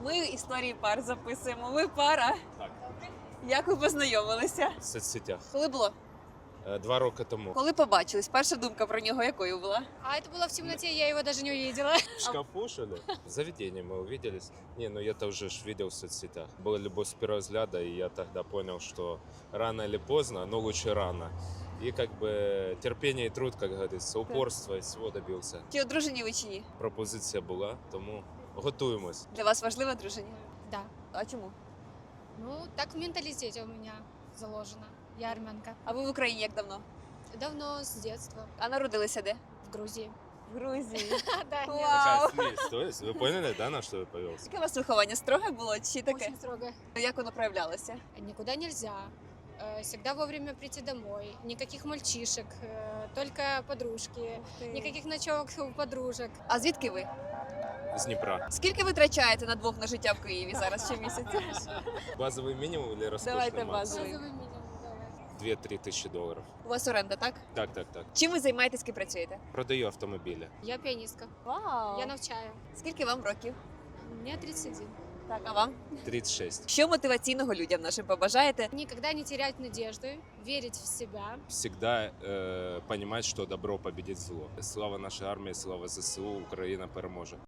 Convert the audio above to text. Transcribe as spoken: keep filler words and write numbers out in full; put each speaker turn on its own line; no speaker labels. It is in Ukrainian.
Ми історії пар записуємо. Ви пара.
Так.
Як ви познайомилися?
В соцсетях.
Коли було?
Е, Два роки тому.
Коли побачились? Перша думка про нього якою була?
А это было в темноте, я его даже не увидела.
В шкафу, что ли? В заведении мы увиделись. Не, ну я-то уже ж видел в соцсетях. Была любовь с первого взгляда, и я тогда понял, что рано или поздно, но лучше рано. И как бы терпение и труд, как говорится, упорство, и всего добился.
Чи одружені ви чи ні?
Пропозиція була, тому готуємось.
Для вас важливе одруження?
Да.
А чому?
Ну, так в менталитете у меня заложено. Я армянка.
А ви в Україні як давно?
Давно, с детства,
А народилися де?
в Грузии.
В Грузії.
Да,
Вау.
Такая смесь. То есть вы поняли, да, на что я повелся?
Яке у вас виховання строге було чи таке?
Очень строго.
Як воно проявлялося?
Никуда нельзя. Э, Всегда вовремя прийти домой. Никаких мальчишек, э, только подружки. Никаких ночевок у подружек.
А звідки ви?
З Дніпра.
Скільки ви витрачаєте на двох на життя в Києві зараз щомісяця?
Базовий мінімум или розкошний
Давайте
максимум?
базовий.
Базовый минимум, давай.
дві-три тисячі доларів.
У вас оренда, так?
Так, так, так.
Чим ви займаєтесь, ким працюєте?
Продаю автомобілі.
Я пианистка.
Вау!
Я навчаю.
Скільки вам років?
Мне тридцать один.
Так, а вам?
тридцять шість.
Що мотиваційного людям нашим побажаєте?
Никогда не терять надежды, верить в себя.
Всегда э, понимать, что добро победит зло. Слава нашей армии, слава ЗСУ, Україна переможе.